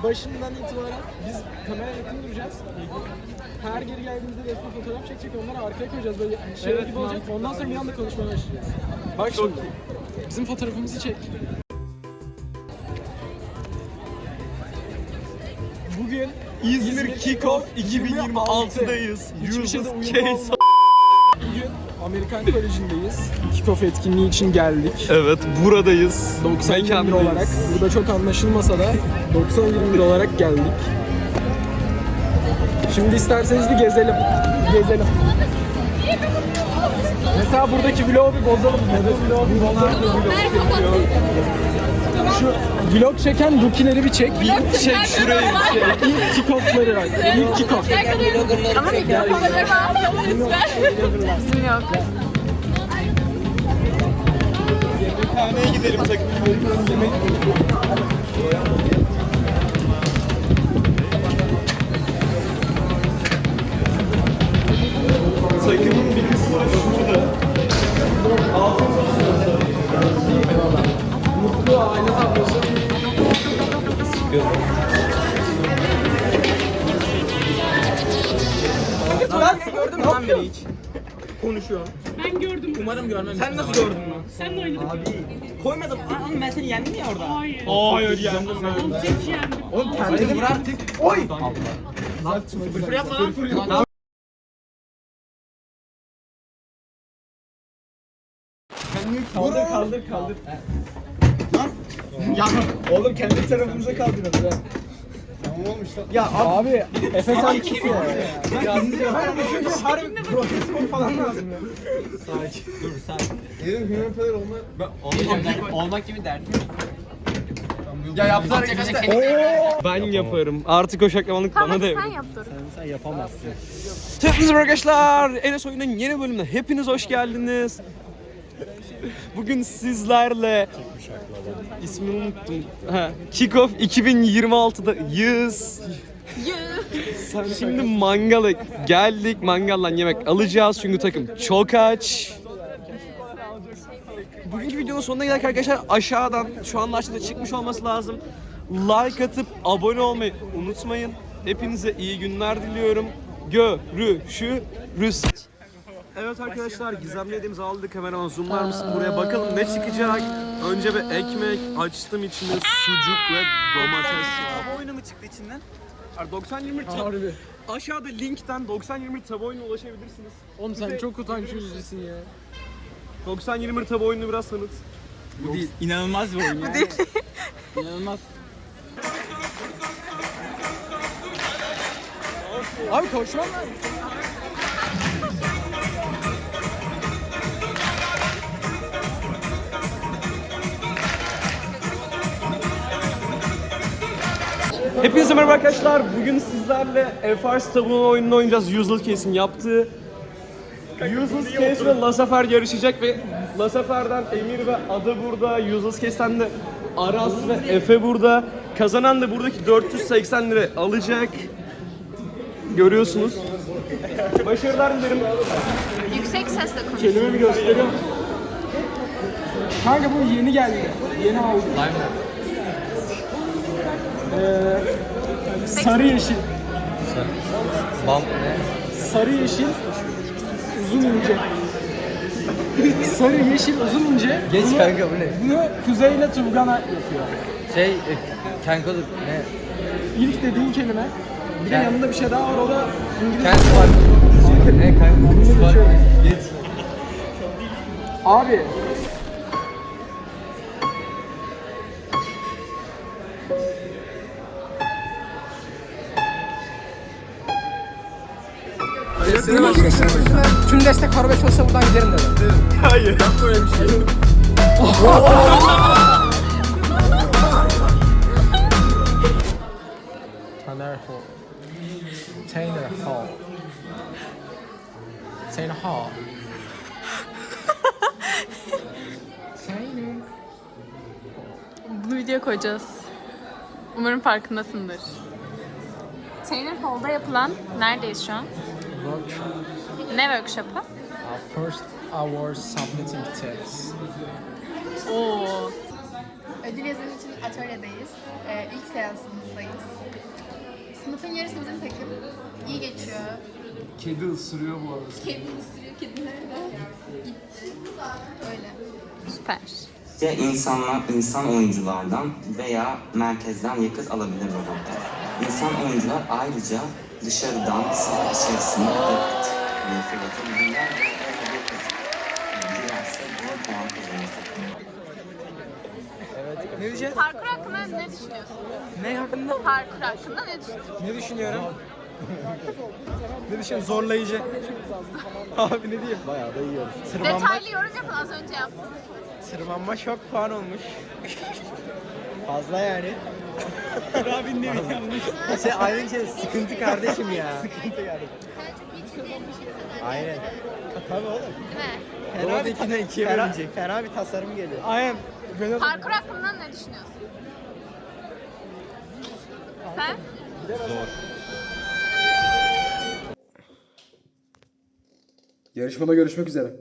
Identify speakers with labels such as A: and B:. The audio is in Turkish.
A: başından itibaren biz kameraya yakın duracağız. Her geri geldiğimizde resmi fotoğraf çekecek, onları arkaya koyacağız böyle şey gibi olacak. Ondan sonra bir anda konuşmaya başlayacağız. Bak şimdi, bizim fotoğrafımızı çek. Bugün
B: İzmir Kickoff 2026'dayız.
A: Hiçbir şeyde
B: Yıldız
A: uyum
B: Case.
A: Bugün Amerikan Koleji'ndeyiz. Kickoff etkinliği için geldik.
B: Evet, buradayız.
A: 90-21 olarak. Burada çok anlaşılmasa da 90-21 olarak geldik. Şimdi isterseniz bir gezelim. Gezelim. Mesela buradaki vlogu bir bozalım. Şu vlog çeken rookie'leri bir çek.
B: Bir çek şurayı bir çek.
A: İlk kickoff'ları bak. İlk kickoff.
C: Ama mikrofonları var. Bizim yok.
B: Yemekhaneye gidelim takım. Takımın bir kısmı şurada.
A: Mutlu aile tablosu.
D: Ben gördün mü lan beni hiç? Konuşuyor.
E: Ben gördüm.
D: Umarım görmemişsin. Sen nasıl gördün lan?
E: Sen de oynadık.
D: Koymadım. Oğlum ben seni yendim ya orada.
E: Hayır.
B: Hayır yani.
E: Tek yendim.
D: Oğlum kendini vur artık. Oy! Fırfır yapma lan.
A: Kaldır.
D: Ya oğlum kendi tarafımıza kaldırıyoruz ha. Tamam olmuş lan. Ya
A: Abi Efe sen kimsin ya?
D: harbi profesyonel falan lazım ya.
B: Dedim Hümen Fener
D: Olmak gibi derdim. Ya yaptılar işte.
B: Ben yaparım. Artık o şaklamanlık bana da
C: Sen
B: yapın.
C: yap dur.
B: Hepinize merhaba arkadaşlar. Enes Oyun'un yeni bölümüne hepiniz hoş geldiniz. Bugün sizlerle ismini unuttum. Kickoff 2026'dayız. Şimdi mangala geldik. Mangaldan yemek alacağız çünkü takım çok aç. Bugünkü videonun sonuna geldik arkadaşlar. Aşağıdan şu anda aşağıda çıkmış olması lazım. Like atıp abone olmayı unutmayın. Hepinize iyi günler diliyorum. Görüşürüz. Evet arkadaşlar, gizemli yediğimizi aldık. Kameraman zoomlar mısın buraya, bakalım ne çıkacak. Önce bir ekmek açtım, içinde sucuk ve domates var.
D: Tava oyunu mu çıktı içinden?
B: 90-20
A: Harbi.
B: aşağıda linkten 90-20 tava oyununa ulaşabilirsiniz.
A: Oğlum sen çok utanç yüzlüsün ya.
B: 90-20 tava oyununu biraz tanıt.
D: Bu değil. İnanılmaz bir oyun ya.
A: İnanılmaz. Abi koşmam lazım.
B: Hepinize merhaba arkadaşlar. Bugün sizlerle FR tabuğu oyununu oynayacağız. Useless Case'in yaptığı. Useless Case ve Lasafer yarışacak ve Lasafer'den Emir ve Ada burada. Useless Case'ten de Aras ve Efe burada. Kazanan da buradaki 480 lira alacak. Görüyorsunuz. Başarılar dilerim.
C: Yüksek sesle konuş.
A: Kelimemi gösteriyorum. Kanka bu yeni geldi. Yeni aldım. Sarı yeşil. Sarı yeşil uzun ince. Sarı yeşil uzun ince.
F: Geç kanka bu ne?
A: Bunu Kuzey'le Turgan'a yapıyor.
F: Kankalık ne?
A: İlk dediğin kelime. Bir de yanında bir şey daha var, o da İngilizce.
F: Kent var. Ne kanka? Geç.
A: Abi. Tüm destek Karabey olsa buradan giderim dedim.
B: Hayır. Yapma öyle bir şey.
A: Tanner Hall. Tanner Hall. Tanner Hall. Tanner.
C: Bunu videoya koyacağız. Umarım farkındasındır. Taylor Hall'da yapılan, neredeyiz şu an?
A: Workshop.
C: Ne workshop'ı?
A: First hour submitting tips.
C: Oo.
G: Ödül yazımı için atölyedeyiz. İlk seansımızdayız. Sınıfın yarısı bizim takım. İyi geçiyor.
B: Kedi ısırıyor bu arada.
G: Kedi ısırıyor, kediler de gitti. Öyle.
C: Süper.
H: Ya insanlar insan oyunculardan veya merkezden yakıt alabilir robotlar. İnsan oyuncular ayrıca dışarıdan saha içerisine yakıt fırlatabilirler ve girerse bir puan kazanır.
D: Ne diyeceğiz?
C: Parkur hakkında ne düşünüyorsun?
D: Ne hakkında?
C: Parkur hakkında ne düşünüyorsun?
D: Ne düşünüyorum? Ne düşünüyorum? Zorlayıcı. Abi ne diyeyim? Bayağı da yiyoruz.
C: Detaylı yorum yapın, az önce yaptım.
D: Tırmanma çok puan olmuş. Fazla yani. Abi ne yanlış. Aynı şey sıkıntı kardeşim ya. Sıkıntı kardeşim. Aynen. Tabii oğlum.
C: Değil mi?
D: Fena bir ikine ikiye bölünecek. Fena bir tasarım geliyor. Aynen.
C: Parkur hakkında ne düşünüyorsun? Sen?
A: Yarışmada görüşmek üzere.